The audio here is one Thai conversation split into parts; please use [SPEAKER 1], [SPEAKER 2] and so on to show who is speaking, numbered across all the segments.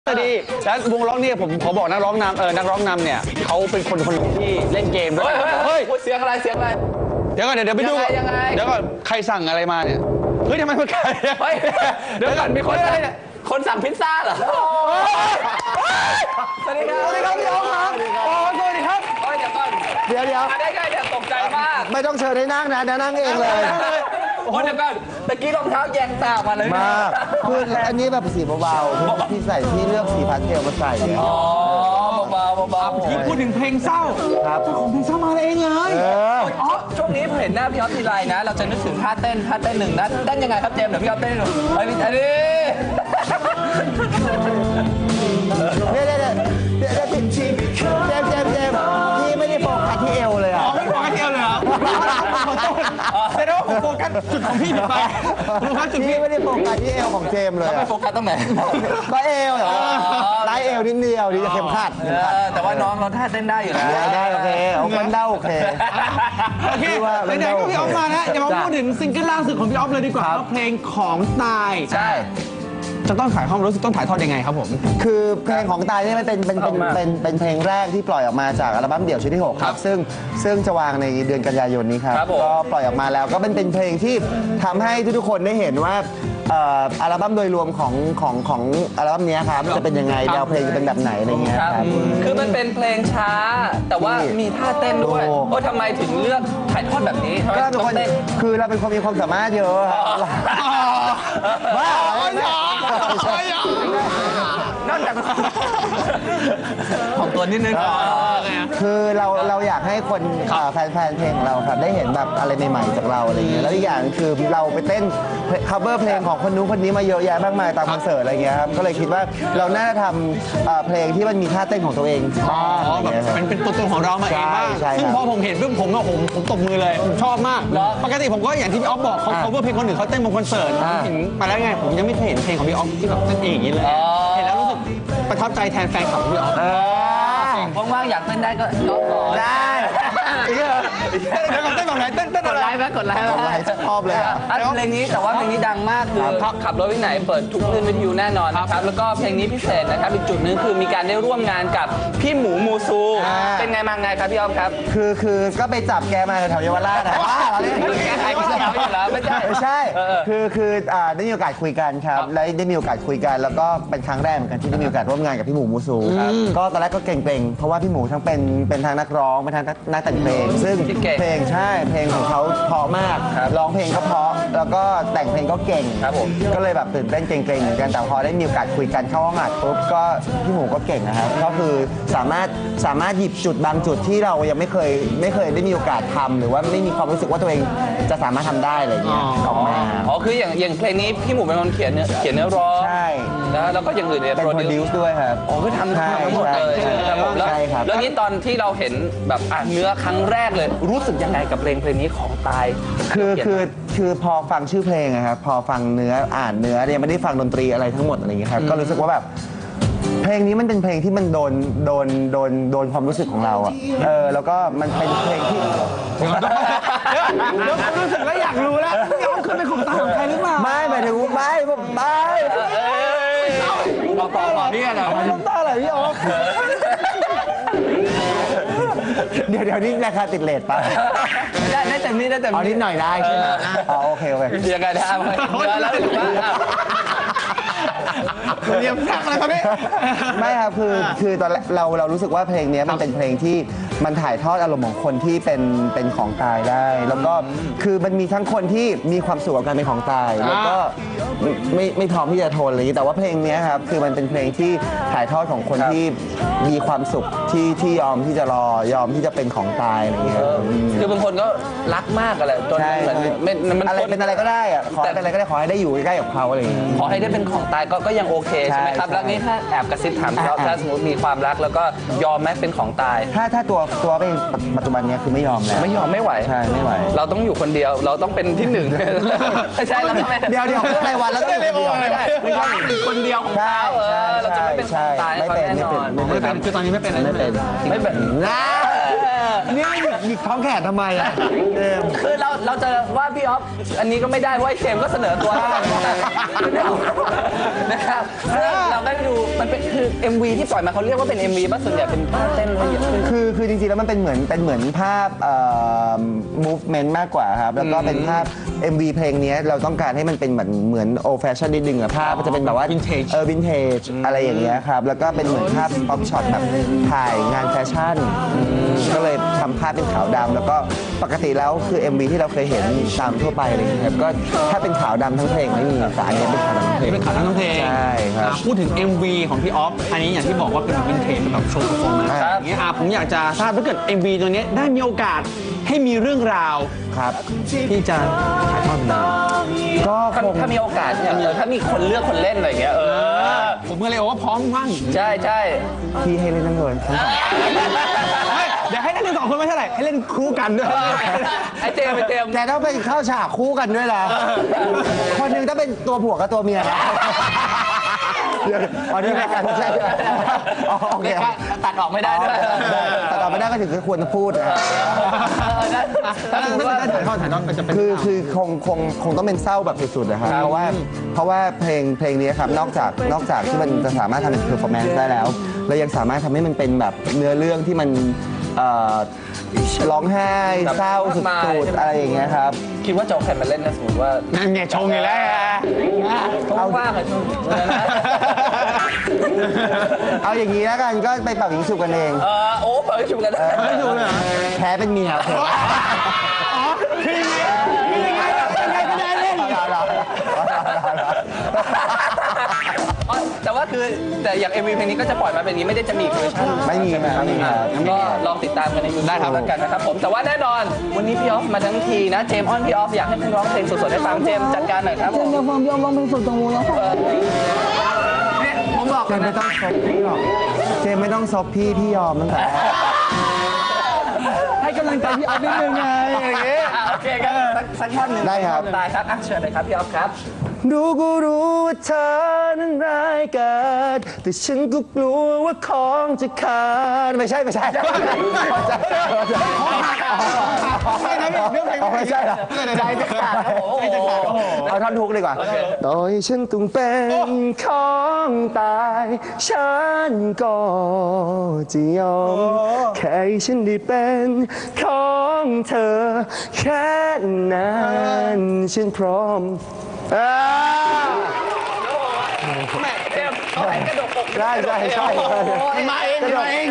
[SPEAKER 1] ดีแล้ววงร้องเนี่ยผมขอบอกนักร้องนำนักร้องนำเนี่ยเขาเป็นคนหนึ่งที่เล่นเกมด้วย
[SPEAKER 2] เฮ้ยเสียงอะไรเสียงอะไร
[SPEAKER 1] เดี๋ยวก่อนเดี๋ยวไปดู
[SPEAKER 2] ยังไง
[SPEAKER 1] เดี๋ยวก่อนใครสั่งอะไรมาเนี่ยเฮ้ยทำไมมันไก่
[SPEAKER 2] เฮ้ยเดี๋ยวก่อนมีคนสั่งพิซซ่าเหรอสวัสดีครับ
[SPEAKER 1] สวัสดีครับพี่อ๊อฟครับสวัสดีครับ
[SPEAKER 2] เฮ้ยเดี๋ยวก่อน
[SPEAKER 3] เดี๋ยว
[SPEAKER 2] ได้ไงเดี๋ยวตกใจมาก
[SPEAKER 3] ไม่ต้องเชิญให้นั่งนะเดี๋ยวนั่งเองเลย
[SPEAKER 2] โอ้เดี๋ยวก่อนตะกี้รองเท้าแยงตามาเลย
[SPEAKER 3] มากคืออันนี้แบบสีเบาๆที่ใส่ที่เลือกสีพาสเทลมาใส่เนี่ย
[SPEAKER 2] อ๋อเบา
[SPEAKER 1] ที่พูดถึงเพลงเศร้า
[SPEAKER 3] ครับ
[SPEAKER 1] เจ้าของเพลงเศร้ามาเองเลย
[SPEAKER 2] อ๋อช่วงนี้เห็นหน้าพี่อ๊อฟทีไรนะเราจะนึกถึงท่าเต้นหนึ่งนะเต้นยังไงครับเจมส์เดี๋ยวพี่อ๊อฟเต้นหนึ่งเฮ้ยอันนี้
[SPEAKER 3] พี่ไม่ได้โฟกัสที่เอวเลยอ่ะ
[SPEAKER 1] ไม่โฟกัสที่เอวเลยเหรอขอโทษแสดงว่าผมโฟกัสจุดของพี่ผิดไปโฟกัสจุดพี่
[SPEAKER 3] ไม่ได้โฟกัสที่เอวของเจมเลย
[SPEAKER 2] ไม่โฟกัสตรงไหน
[SPEAKER 3] ก็เอวเหรอไล่เอวนิดเดียวดีจะเข็มขัด
[SPEAKER 2] แต่ว่าน้องเราท่าเต้นได้อยู่แล้ว
[SPEAKER 3] ได้โอเคเอาคนเด้าโอเค
[SPEAKER 1] โอเคไหนๆก็พี่อ๊อฟมาแล้วเดี๋ยวมาพูดถึงซิงเกิลล่าสุดของพี่อ๊อฟเลยดีกว่าเพลงของตาย
[SPEAKER 2] ใช่
[SPEAKER 1] จะต้องถ่ายความรู้สึกต้องถ่ายทอดยังไงครับผม
[SPEAKER 3] คือเพลงของตายนี่มันเป็นเพลงแรกที่ปล่อยออกมาจากอัลบั้มเดี่ยวชุดที่6ครับซึ่งจะวางในเดือนกันยายนนี้ครับก็ปล่อยออกมาแล้วก็เป็นเพลงที่ทำให้ทุกคนได้เห็นว่าอัลบั้มโดยรวมของอัลบั้มนี้ครับจะเป็นยังไงแนวเพลงจะเป็นแบบไหนอะไรเงี้ยครับ
[SPEAKER 2] คือมันเป็นเพลงช้าแต่ว่ามีท่าเต้นด้วยโอ้ทำไมถึงเลือกถ่ายทอดแบบนี้
[SPEAKER 3] ก็เป็นคนคือเราเป็นคนมีความสามารถเยอะ
[SPEAKER 1] ว้าว
[SPEAKER 2] นั่นจากของตัวนิดนึง
[SPEAKER 3] คือเราอยากให้คนแฟนเพลงของเราครับได้เห็นแบบอะไรใหม่ๆจากเราอะไรเงี้ยแล้วอีกอย่างคือเราไปเต้น cover เพลงของคนนู้นคนนี้มาเยอะแยะมากมายตามคอนเสิร์ตอะไรเงี้ยครับก็เลยคิดว่าเราน่าจะทำเพลงที่มันมีท่าเต้นของตัวเเอง
[SPEAKER 1] แบบเป็นตัวตนของเรามาเองบ้างซึ่งพอผมเห็นปุ๊บผมตบมือเลยผมชอบมากปกติผมก็อย่างที่พี่อ๊อฟบอกเขา cover เพลงคนอื่นเขาเต้นบนคอนเสิร์ตเห็นมาแล้วไงผมยังไม่เคยเห็นเพลงของพี่อ๊อฟที่แบบเต้นเองอย่างนี้เลยเห็นแล้วรู้สึกประทับใจแทนแฟนคลับพี่อ๊อฟ
[SPEAKER 2] ว่างๆอยากเต้นได้ก็ยกก่อน
[SPEAKER 3] ได้
[SPEAKER 1] เดี๋ยวเต้นแบบไหนเต้น
[SPEAKER 2] กดไลค์ไหมกดไลค์
[SPEAKER 3] ชอบเลย
[SPEAKER 2] เพลงนี้แต่ว่าเพลงนี้ดังมากคือขับรถไปไหนเปิดทุกคลื่นวิทยุแน่นอนนะครับแล้วก็เพลงนี้พิเศษนะครับอีกจุดนึงคือมีการได้ร่วมงานกับพี่หมูมูซูเป็นไงมาไงครับพี่อ๊อฟครับ
[SPEAKER 3] คือก็ไปจับแกมาแถวเยาวราชนะ
[SPEAKER 2] แกใครก็จะเอาอยู่แล้วไม่
[SPEAKER 3] ใช่คือได้มีโอกาสคุยกันครับและได้มีโอกาสคุยกันแล้วก็เป็นครั้งแรกเหมือนกันที่ได้มีโอกาสร่วมงานกับพี่หมูมูซูก็ตอนแรกก็เกรงๆเพราะว่าพี่หมูทั้งเป็นทางนักร้องเป็นทางนักแต่งเพลงซึ่งเพลงใช่เพลงของเขาเพราะมากร้องเพลงก็เพราะแล้วก็แต่งเพลงก็เก่งก็เลยแบบตื่นเต้นเกรงๆเหมือนกันแต่พอได้มีโอกาสคุยกันเข้าห้องอัดปุ๊บก็พี่หมูก็เก่งนะครับก็คือสามารถหยิบจุดบางจุดที่เรายังไม่เคยได้มีโอกาสทำหรือว่าไม่มีความรู้สึกว่าตัวเองจะสามารถทำได้อะไรเงี้ยออกมา
[SPEAKER 2] อ๋อคืออย่างเพลงนี้พี่หมูเป็นคนเขียนเนื้อร้อง
[SPEAKER 3] ใช่
[SPEAKER 2] แล้วก็อย่างอื่นเนี่ย
[SPEAKER 3] โปรดิวซ์ด้วยครับ
[SPEAKER 2] อ๋อคือทำทั้งหมดเลยแล้วนี้ตอนที่เราเห็นแบบเนื้อครั้งแรกเลยรู้สึกยังไงกับเพลงนี้ของตาย
[SPEAKER 3] คือพอฟังชื่อเพลงนะครับพอฟังเนื้ออ่านเนื้อเนี่ยไม่ได้ฟังดนตรีอะไรทั้งหมดอะไรอย่างเงี้ยครับก็รู้สึกว่าแบบเพลงนี้มันเป็นเพลงที่มันโดนความรู้สึกของเราอ่ะแล้วก็มันเป็นเพลงที่
[SPEAKER 1] แล้วรู้สึกแล้วอยากรู้แล้วพี่อ๊อฟคือเป็นของตาของใครหรือเปล่า
[SPEAKER 3] ไม่หมายถึงไม่
[SPEAKER 2] ต่อนี่อะไร
[SPEAKER 3] ของตาอะไรพี่อ๊อฟเดี๋ยวนี้ราคาติดเลทป่ะ
[SPEAKER 2] ได้เต็มนี้
[SPEAKER 3] เอานิดหน่อยได้ใช่ไหมโอเค
[SPEAKER 2] ยังไงได้แล้วถือว่า
[SPEAKER 1] เรียมสักอะไรครับพี่
[SPEAKER 3] ไม่ครับคือตอนเรารู้สึกว่าเพลงนี้มันเป็นเพลงที่มันถ่ายทอดอารมณ์ของคนที่เป็นของตายได้แล้วก็คือมันมีทั้งคนที่มีความสุขกับการเป็นของตายแล้วก็ไม่พร้อมที่จะทนอะไรอย่างนี้แต่ว่าเพลงนี้ครับคือมันเป็นเพลงที่ถ่ายทอดของคนที่มีความสุขที่ยอมที่จะยอมที่จะเป็นของตายอะไรอย่างเงี้ย
[SPEAKER 2] คือบางคนก็รักมากอะไรจนเหมือน
[SPEAKER 3] มันอะไรเป็นอะไรก็ได้อะขอเป็นอะไรก็ได้ขอให้ได้อยู่ใกล้ๆกับเขาอะไรอย่างเงี้ย
[SPEAKER 2] ขอให้ได้เป็นของตายก็ยังโอเคใช่ไหมครับแล้วนี่ถ้าแอบกระซิบถามเขาถ้าสมมติมีความรักแล้วก็ยอมไหมเป็นของตาย
[SPEAKER 3] ถ้าตัวเป็นปัจจุบันนี้คือไม่ยอมแล้ว
[SPEAKER 2] ไม่ไหว
[SPEAKER 3] ใช่ไม่ไหว
[SPEAKER 2] เราต้องอยู่คนเดียวเราต้องเป็นที่หนึ่งไม่ใช่เราไม่
[SPEAKER 3] เดี๋ยวเรื่องรายวันแล้วต้องอยู่คนเดียว
[SPEAKER 2] ไม่ใช่คนเดียวของเขาเราจะไม่เป็นของตาย
[SPEAKER 3] ไม่เป็น
[SPEAKER 1] คือตอนนี้ไม่เป็น
[SPEAKER 3] นะเนี่ยหยิกท้องแขนทำไมอ่ะเจมส์
[SPEAKER 2] คือเราจะว่าพี่ออฟอันนี้ก็ไม่ได้เพราะไอ้เจมส์ก็เสนอตัวนะครับซึ่งเราได้ดูมันเป็นคือ MV ที่ปล่อยมาเขาเรียกว่าเป็น MV ป่ะส่วนใหญ่เป็นท่าเต้นอะไรอย่างเงี้ย
[SPEAKER 3] คือจริงๆแล้วมันเป็นเหมือนภาพmovement มากกว่าครับแล้วก็เป็นภาพ MV เพลงนี้เราต้องการให้มันเป็นเหมือน old fashion นิดนึงอะภาพมันจะเป็นแบบว่า
[SPEAKER 1] Vintage
[SPEAKER 3] วินเทจอะไรอย่างเงี้ยครับแล้วก็เป็นเหมือนภาพ pop shot แบบถ่ายงานแฟชั่นก็เลยทำภาพเป็นขาวดำแล้วก็ปกติแล้วคือ MV ที่เราเคยเห็นตามทั่วไปอะไรอย่างเงี้ยครับก็ถ้าเป็นขาวดำทั้งเพลงไม่มีแต่อันนี้เป็นขาวดำทั้งเพลง
[SPEAKER 1] เป็นข่าวทั้งเพลง
[SPEAKER 3] ใช่ครับ
[SPEAKER 1] พูดถึง MV ของพี่ออฟอันนี้อย่างที่บอกว่าเป็นวินเทจแบบโชว์เพอร์ฟอร์แมนซ์
[SPEAKER 3] ครับ
[SPEAKER 1] อย่างเงี้ยผมอยากจะทราบถ้าเกิด MV ตัวเนี้ยได้มีโอกาสให้มีเรื่องราว
[SPEAKER 3] ครับ
[SPEAKER 1] ที่จะถ่ายทอดเป็น
[SPEAKER 3] ก็คง
[SPEAKER 2] ถ้ามีโอกาสเนี่ยถ้ามีคนเลือกคนเล่นอะไรอย่างเงี้ย
[SPEAKER 1] ผมก็เลยบอกว่าพร้อมว่าง
[SPEAKER 2] ใช่ใช่
[SPEAKER 3] ที่ให้เล่นทั้งเลยทั้งสอง
[SPEAKER 1] เดี๋ยวให้เล่น2 คนไม่เท่าไหร่ให้เล่นคู่กันด้วย
[SPEAKER 2] ไอ้เจมส์
[SPEAKER 3] แต่ต้องเป็นเข้าฉากคู่กันด้วยนะคนหนึ่งต้องเป็นตัวผัวกับตัวเมียนะอ๋อนี่ไม่กันใช่โอเค
[SPEAKER 2] ตัดออกไม่ได้ด้วย
[SPEAKER 3] แต่ต่อไม่ได้ก็ถึงควรจะพูดนะ
[SPEAKER 1] ถ้าถ่ายทอดก็จะเป็น
[SPEAKER 3] คือคงต้องเป็นเศร้าแบบสุดๆนะครับเพราะว่าเพลงนี้ครับนอกจากที่มันจะสามารถทำเป็นเพอร์ฟอร์แมนซ์ได้แล้วเรายังสามารถทำให้มันเป็นแบบเนื้อเรื่องที่มันร้องไห้เศร้าสุดๆอะไรอย่างเงี้ยครับ
[SPEAKER 2] คิดว่าจะเอาใครมาเล่นนะสมมติว่า
[SPEAKER 1] นั่นไงชงไงแล้ว
[SPEAKER 2] เขาว่างอะชม
[SPEAKER 3] เอาอย่างนี้แล้วกันก็ไปเป่ายิงฉุบกันเอง
[SPEAKER 2] โอ้เปิดชุมกันได้
[SPEAKER 1] ไม่ถูกเลย
[SPEAKER 3] แพ้เป็นเมียโอเค
[SPEAKER 1] คือยังไงก็ได้เล่น
[SPEAKER 2] แต่ว่าคือแต่อย่าง MV เพลงนี้ก็จะปล่อยมาเป็นอย่างนี้ไม่ได้จะมีเวอร์ชัน
[SPEAKER 3] ไม่มีครับ
[SPEAKER 2] ก็ลองติดตามกันในยูทูบได้ครับแล้วกันนะครับผมแต่ว่าแน่นอนวันนี้พี่ออฟมาทั้งทีนะเจมส์ออนพี่ออฟอยากให้ร้องเพลงสดๆให้ฟังเจมส์จัดการหน่อยครับผม
[SPEAKER 4] เดี๋ยวผมยอมร้องเพลงสดตรงนู้นแล้วค่ะ
[SPEAKER 2] ผมบอก
[SPEAKER 3] เจมไม่ต้องซบพี่หรอกเจมไม่ต้องซบพี่ยอมตั้งแต่
[SPEAKER 1] ให้กำลังใจพี่ออฟนิดนึงไงอย่างงี้
[SPEAKER 2] โอเคครับสักท่อนหนึ่ง
[SPEAKER 3] ได้ครับ
[SPEAKER 2] ได้ครับเชิญเลยครับพี่ออฟครับ
[SPEAKER 3] รู้ก็รู้ว่าเธอนั้นร้ายกาจแต่ฉันก็กลัวว่าของจะขาดไม่ใช่ไม่ใช่ไม่ใช่ไม่ใช่เหรอใจจะขาดเอาท่อนทุกดีกว่าต่อให้ฉันต้องเป็นของตายฉันก็จะยอมแค่ให้ฉันได้เป็นของเธอแค่นั้นฉันพร้อม
[SPEAKER 2] เจมส์เขาให้กระดกอก
[SPEAKER 3] ใช่
[SPEAKER 1] มาเองมาเอง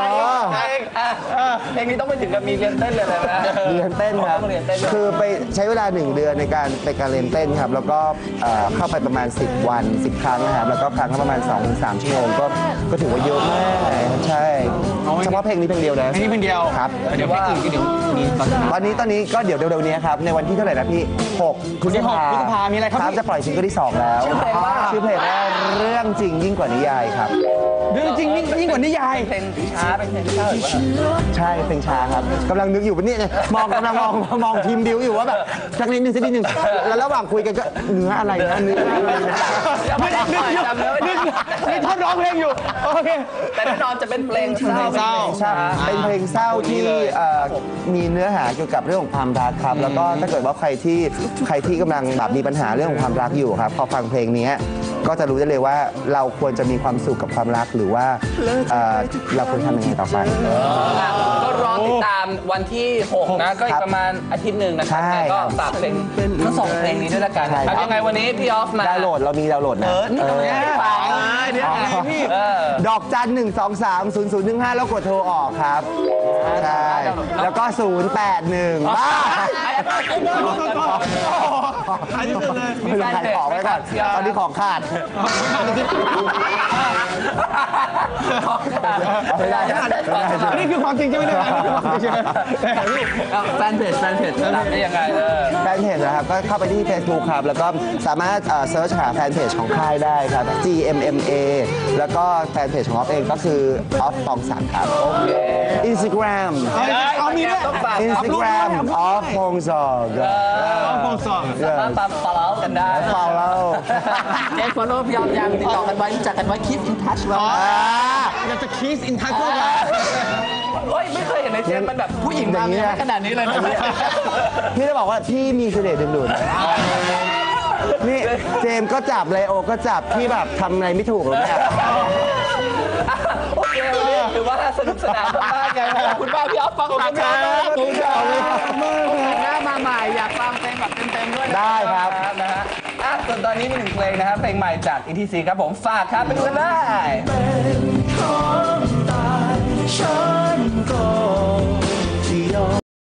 [SPEAKER 2] เพลงนี้ต้องไปถึงกับมีเรียนเต้นเลยนะ
[SPEAKER 3] เรียนเต้นครับ
[SPEAKER 2] เรียนเต้น
[SPEAKER 3] คือไปใช้เวลา1 เดือนในการเรียนเต้นครับ แล้วก็เข้าไปประมาณ10 วัน 10 ครั้งนะครับแล้วก็ครั้งละประมาณ 2-3 ชั่วโมงก็ถือว่าเยอะมากใช่เฉพาะเพลงนี้เพลงเดียวนะ
[SPEAKER 1] อันนี้เป็นเดียว
[SPEAKER 3] ครับ
[SPEAKER 1] เดี๋ยวเพลงอื่นก็เดี๋ยวมีตอน
[SPEAKER 3] ตอนนี้ก็เดี๋ยวเร็วๆนี้ครับในวันที่เท่าไหร่นะพี่6 พฤษภา
[SPEAKER 1] พฤษภามีอะไรครับพี่
[SPEAKER 3] จะปล่อยซิงเกิลที่ 2 แล้วชื่อเพลงว่าเรื่องจริงยิ่งกว่านิยายครับ
[SPEAKER 1] เรื่องจริงยิ่งกว่านิยาย
[SPEAKER 2] เพลงช้าเป็นเพลงช้าหรือว่า
[SPEAKER 3] ใช่เพลงช้าครับกำลังนึกอยู่เนี่ยกำลังมองทีมบิวอยู่ว่าแบบสักนิดนึงแล้วระหว่างคุยกันก็เนื้ออะไรนะเนื้ออะไรนะ
[SPEAKER 1] ไม่ได้นึกท่อนร้องเพลงอยู่โอเค
[SPEAKER 2] แต่แน่นอนจะเป็นเพลงเศร้า
[SPEAKER 1] เศร้า
[SPEAKER 3] ใช่เป็นเพลงเศร้าที่มีเนื้อหาเกี่ยวกับเรื่องของความรักครับแล้วก็ถ้าเกิดว่าใครที่กำลังแบบมีปัญหาเรื่องของความรักอยู่ครับพอฟังเพลงนี้ก็จะรู้ได้เลยว่าเราควรจะมีความสุขกับความรักหรือว่าเราควรทำยังไงต่อไป
[SPEAKER 2] ก็รอติดตามวันที่ 6 นะ ก็อีกประมาณอาทิตย์หนึ่งนะครับ
[SPEAKER 3] ใช่
[SPEAKER 2] ก็ฝากเพลงทั้งสองเพลงนี้ด้วยละกัน
[SPEAKER 3] ใช่
[SPEAKER 2] ครับยังไงวันนี้พี่ออฟมา
[SPEAKER 3] ดาวน์โหลดเรามีดาวน์โหลดนะ
[SPEAKER 2] นี่ทำไมไม่ฟังเดี๋ยวพี่
[SPEAKER 3] ดอกจัน 1230015 แล้วกดโทรออกครับ ใช่ แล้วก็ 081บ้า
[SPEAKER 1] ขายที่สุดเลย
[SPEAKER 3] ไม่ต้องขายของไว้ก่อนตอนนี้ของขาดไม่ได้
[SPEAKER 1] นี่คือความจริงใช่ไหมเนี่ย
[SPEAKER 2] แฟนเพจตามได้ยังไง
[SPEAKER 3] แฟนเพจนะครับก็เข้าไปที่ Facebook ครับ แล้วก็สามารถเซิร์ชหาแฟนเพจของค่ายได้ครับ GMMA แล้วก็แฟนเพจของออฟเองก็คือออฟปองศักดิ์ครับ Instagram
[SPEAKER 1] เอามีด้วย
[SPEAKER 3] Instagram ออฟปองศักดิ์
[SPEAKER 1] ฟองสอง
[SPEAKER 2] สามารถตาม follow กันได้
[SPEAKER 3] follow
[SPEAKER 2] เจ๊ฟอลโล่พี่ออฟยังติดต่อกันไว้รู้จักกันไว้ keep in touch ไว้
[SPEAKER 1] อยากจะคีสอินทัชด้วย
[SPEAKER 2] เฮ้ยไม่เคยเห็นในเจมส์มันแบบผู้หญิงทำอย่างนี้ขนาดนี้เลยนะ
[SPEAKER 3] พี่จะบอกว่าพี่มีเสน่ห์ดึงดูดนี่เจมส์ก็จับไลโอก็จับพี่แบบทำอะไรไม่ถูกหรอกเนี่ย
[SPEAKER 2] โอเควันนี้ถือว่าสนุกสนานมากๆเลยขอบคุณมากพี่อ๊อฟฟังครับขอบคุณครับหน้ามาใหม่อยากฟังเพลงแบบเต็มๆด้วยได้ครับนะฮะส่วนตอนนี้มีหนึ่งเพลงนะครับเพลงใหม่จาก ETC ครับผมฝากครับไปดูกันเลย